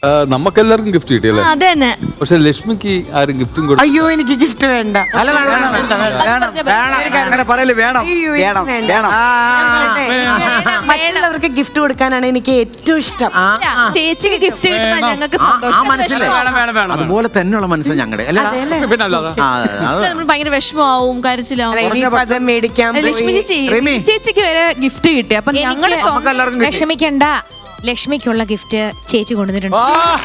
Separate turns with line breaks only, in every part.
നമുക്കെല്ലാവർക്കും ഗിഫ്റ്റ് കിട്ടിയല്ലേ?
അതന്നെ.
പക്ഷെ ലക്ഷ്മിക്ക് ആരും ഗിഫ്റ്റും കൊടുത്തു.
അയ്യോ എനിക്ക് ഗിഫ്റ്റ് വേണ്ട. മറ്റുള്ളവർക്ക് ഗിഫ്റ്റ് കൊടുക്കാനാണ് എനിക്ക് ഏറ്റവും ഇഷ്ടം.
ചേച്ചിക്ക് ഗിഫ്റ്റ് കിട്ടുമ്പോ ഞങ്ങൾക്ക് സന്തോഷം.
അതുപോലെ തന്നെയുള്ള മനസ്സ് ഞങ്ങളുടെ
നമ്മൾ ഭയങ്കര വിഷമമാവും, കരച്ചിലാവും.
അത് മേടിക്കാൻ
ലക്ഷ്മി ചേച്ചിക്ക് വരെ ഗിഫ്റ്റ് കിട്ടി. അപ്പൊ ഞങ്ങള്
വിഷമിക്കണ്ട, ലക്ഷ്മിക്കുള്ള ഗിഫ്റ്റ് ചേച്ചി കൊണ്ടുവന്നിട്ടുണ്ട്.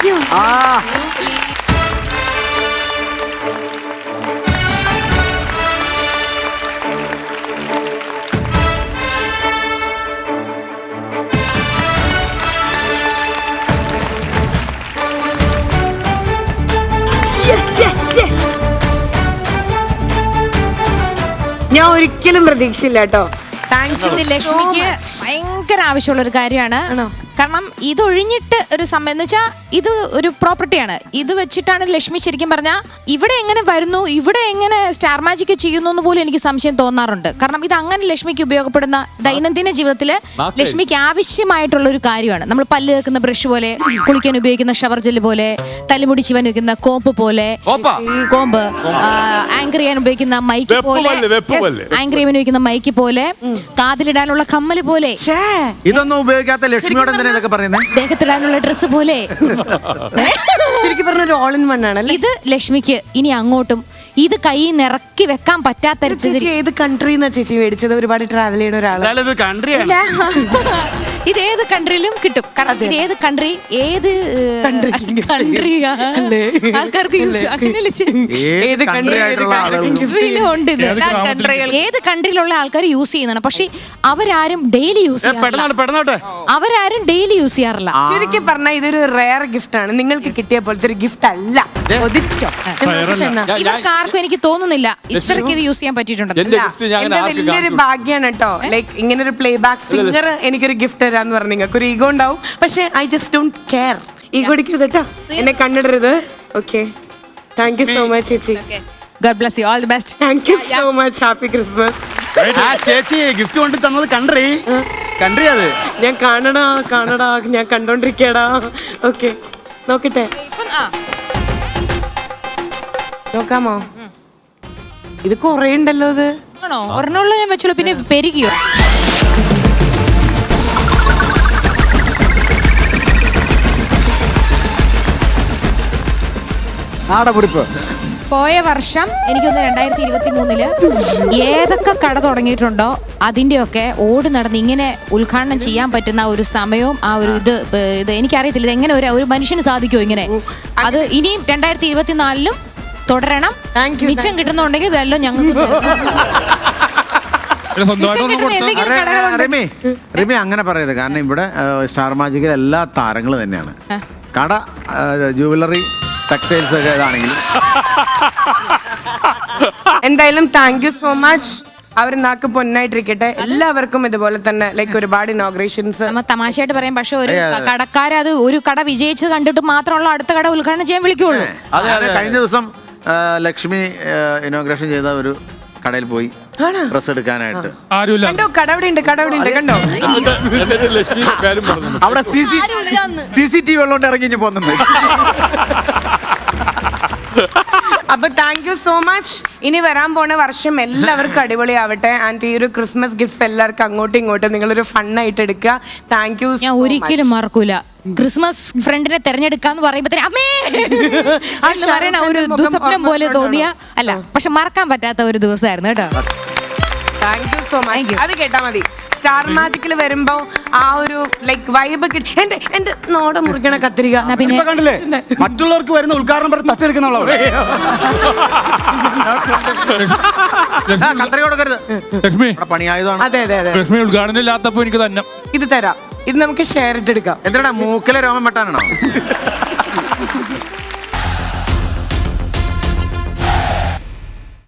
ഞാൻ ഒരിക്കലും പ്രതീക്ഷയില്ല കേട്ടോ.
ലക്ഷ്മിക്ക് ഭയങ്കര ആവശ്യമുള്ള ഒരു കാര്യമാണ്. കാരണം ഇതൊഴിഞ്ഞിട്ട് ഒരു സമയം എന്ന് വെച്ചാൽ ഇത് ഒരു പ്രോപ്പർട്ടിയാണ്. ഇത് വെച്ചിട്ടാണ് ലക്ഷ്മി ശരിക്കും പറഞ്ഞാൽ ഇവിടെ എങ്ങനെ വരുന്നു, ഇവിടെ എങ്ങനെ സ്റ്റാർ മാജിക് ചെയ്യുന്നു എന്ന് പോലും എനിക്ക് സംശയം തോന്നാറുണ്ട്. കാരണം ഇത് അങ്ങനെ ലക്ഷ്മിക്ക് ഉപയോഗപ്പെടുന്ന ദൈനംദിന ജീവിതത്തിൽ ലക്ഷ്മിക്ക് ആവശ്യമായിട്ടുള്ള ഒരു കാര്യമാണ്. നമ്മൾ പല്ല് വെക്കുന്ന ബ്രഷ് പോലെ, കുളിക്കാൻ ഉപയോഗിക്കുന്ന ഷവർ ജെല്ല് പോലെ, തലമുടി ചീവാൻ വെക്കുന്ന കോമ്പ് പോലെ, കോമ്പ് ആങ്കർ ചെയ്യാൻ ഉപയോഗിക്കുന്ന മൈക്ക് പോലെ, ആങ്കർ ചെയ്യാൻ ഉപയോഗിക്കുന്ന മൈക്ക് പോലെ, കാതിലിടാനുള്ള കമ്മല് പോലെ,
ഇതൊന്നും ഉപയോഗിക്കാത്ത ലക്ഷ്മിയോട് എന്തിനാ ഇതൊക്കെ പറയുന്നത്?
ദേഹത്തിടാനുള്ള ഡ്രസ്സ് പോലെ.
ശരിക്കും പറഞ്ഞ ഒരു ഓൾ ഇൻ വൺ ആണ്. ഇത്
ലക്ഷ്മിക്ക് ഇനി അങ്ങോട്ടും ഇത് കൈ നിറക്കി വെക്കാൻ പറ്റാത്ത
ചേച്ചി ഏത് കൺട്രിന്നാ ചേച്ചി മേടിച്ചത്? ഒരുപാട് ട്രാവൽ ചെയ്യുന്ന ഒരാളാണ്.
ഇത് ഏത് കൺട്രിയിലും കിട്ടും. കാരണം ഇത് ഏത് കൺട്രി, ഏത് കൺട്രിയാ ആൾക്കാർക്ക് യൂസ് ഏത് കൺട്രിയിലുള്ള ആൾക്കാർ യൂസ് ചെയ്യുന്നതാണ്. പക്ഷെ അവരാരും ഡെയിലി യൂസ് ചെയ്യാറില്ല.
ശരിക്കും പറഞ്ഞാൽ ഇതൊരു റെയർ ഗിഫ്റ്റ് ആണ്. നിങ്ങൾക്ക് കിട്ടിയ പോലത്തെ ഒരു ഗിഫ്റ്റ് അല്ല.
ഇവർക്ക് ആർക്കും എനിക്ക് തോന്നുന്നില്ല ഇത്രയ്ക്ക് ഇത് യൂസ് ചെയ്യാൻ പറ്റിയിട്ടുണ്ടെന്ന്.
എന്റെ വലിയൊരു ഭാഗ്യാണ് കേട്ടോ. ലൈക്ക് ഇങ്ങനെ ഒരു പ്ലേ ബാക്ക് സിംഗർ എനിക്കൊരു ഗിഫ്റ്റ് തരാന്ന് പറഞ്ഞു. നിങ്ങൾക്ക് ഒരു ഈഗോ ഉണ്ടാവും, പക്ഷെ I just don't care. Ego അടിക്കരുത് കേട്ടോ, എന്നെ കണ്ടിടരുത്. Okay, thank you so much ചേച്ചി.
God bless you, all the best.
Thank you so much. Happy Christmas.
ചേച്ചി ഗിഫ്റ്റ് കൊണ്ട് തന്നത് കൺട്രി അത്
ഞാൻ കാണടാ ഞാൻ കണ്ടോണ്ടിരിക്കടാ. ഓക്കെ, നോക്കട്ടെ, നോക്കാമോ? ഇത് കൊറേ ഉണ്ടല്ലോ. ഇത്
ആണോ? ഒരെണ്ണമുള്ള ഞാൻ വെച്ചോളൂ, പിന്നെ പെരുകിയോ? പോയ വർഷം എനിക്കൊന്ന് 2023 ഏതൊക്കെ കട തുടങ്ങിയിട്ടുണ്ടോ അതിന്റെയൊക്കെ ഓടി നടന്ന് ഇങ്ങനെ ഉദ്ഘാടനം ചെയ്യാൻ പറ്റുന്ന ഒരു സമയവും ആ ഒരു ഇത് എനിക്കറിയത്തില്ല. ഇത് എങ്ങനെ ഒരു മനുഷ്യന് സാധിക്കുമോ ഇങ്ങനെ? അത് ഇനിയും 2024 തുടരണം. മിച്ചം കിട്ടുന്നുണ്ടെങ്കിൽ വല്ലതും ഞങ്ങൾക്ക്
റിമി അങ്ങനെ പറയരുത്. കാരണം ഇവിടെ സ്റ്റാർ മാജിക്കിൽ എല്ലാ താരങ്ങളും തന്നെയാണ്. കട, ജുവലറി, ടെക്സ്റ്റൈൽസ് ഒക്കെ ഇതാണെങ്കിലും.
എന്തായാലും താങ്ക് യു സോ മച്ച്. അവർ നാക്ക് പൊന്നായിട്ടിരിക്കട്ടെ. എല്ലാവർക്കും ഇതുപോലെ തന്നെ ലൈക്ക് ഒരുപാട് ഇനോഗ്രേഷൻസ്.
നമ്മൾ തമാശയായിട്ട് പറയാം, പക്ഷെ ഒരു കടക്കാരെ അത് ഒരു കട വിജയിച്ച് കണ്ടിട്ട് മാത്രമുള്ള അടുത്ത കട ഉദ്ഘാടനം ചെയ്യാൻ വിളിക്കുള്ളൂ.
കഴിഞ്ഞ ദിവസം ലക്ഷ്മി ഇനോഗ്രേഷൻ ചെയ്ത ഒരു കടയിൽ പോയി ഡ്രസ് എടുക്കാനായിട്ട്.
കണ്ടോ, കടവിടെ ഉണ്ട് കണ്ടോ.
അവിടെ CCTV ഉള്ളോണ്ട് ഇറങ്ങി പോകുന്നുണ്ട്.
അപ്പൊ താങ്ക് യു സോ മച്ച്. ഇനി വരാൻ പോണ വർഷം എല്ലാവർക്കും അടിപൊളിയാവട്ടെ. ആൻഡ് ഈ ഒരു ക്രിസ്മസ് ഗിഫ്റ്റ്സ് എല്ലാവർക്കും അങ്ങോട്ടും ഇങ്ങോട്ടും നിങ്ങളൊരു ഫണ്ണായിട്ട് എടുക്കുക. Thank you.
ഞാൻ ഒരിക്കലും മറക്കൂല ക്രിസ്മസ് ഫ്രണ്ടിനെ തെരഞ്ഞെടുക്കാന്ന് പറയുമ്പോ അമ്മേ എന്ന് പറയണ ഒരു ദുസ്വപ്നം പോലെ തോന്നിയ അല്ല, പക്ഷെ മറക്കാൻ പറ്റാത്ത ഒരു ദിവസമായിരുന്നു കേട്ടോ.
Thank you so much. അത് കേട്ടാ മതി. സ്റ്റാർ മാജിക്കിൽ വരുമ്പോ ആ ഒരു ലൈക്ക് വൈബ് കിട്ടി. എന്റെ നോട മുറിക്കണ കത്തിരിക
കണ്ടില്ലേ? മറ്റുള്ളവർക്ക് വരുന്ന ഉദ്ഘാടനം പറഞ്ഞ് തട്ടെടുക്കുന്ന പണിയായതാണ്.
അതെ അതെ അതെ.
ലക്ഷ്മി ഉദ്ഘാടനം ഇല്ലാത്തപ്പോ എനിക്ക് തന്നെ
ഇത് തരാം. ഇത് നമുക്ക് ഷെയർ ഇട്ടെടുക്കാം.
എന്തിനാ മൂക്കിലെ രോമം വെട്ടാനാണോ?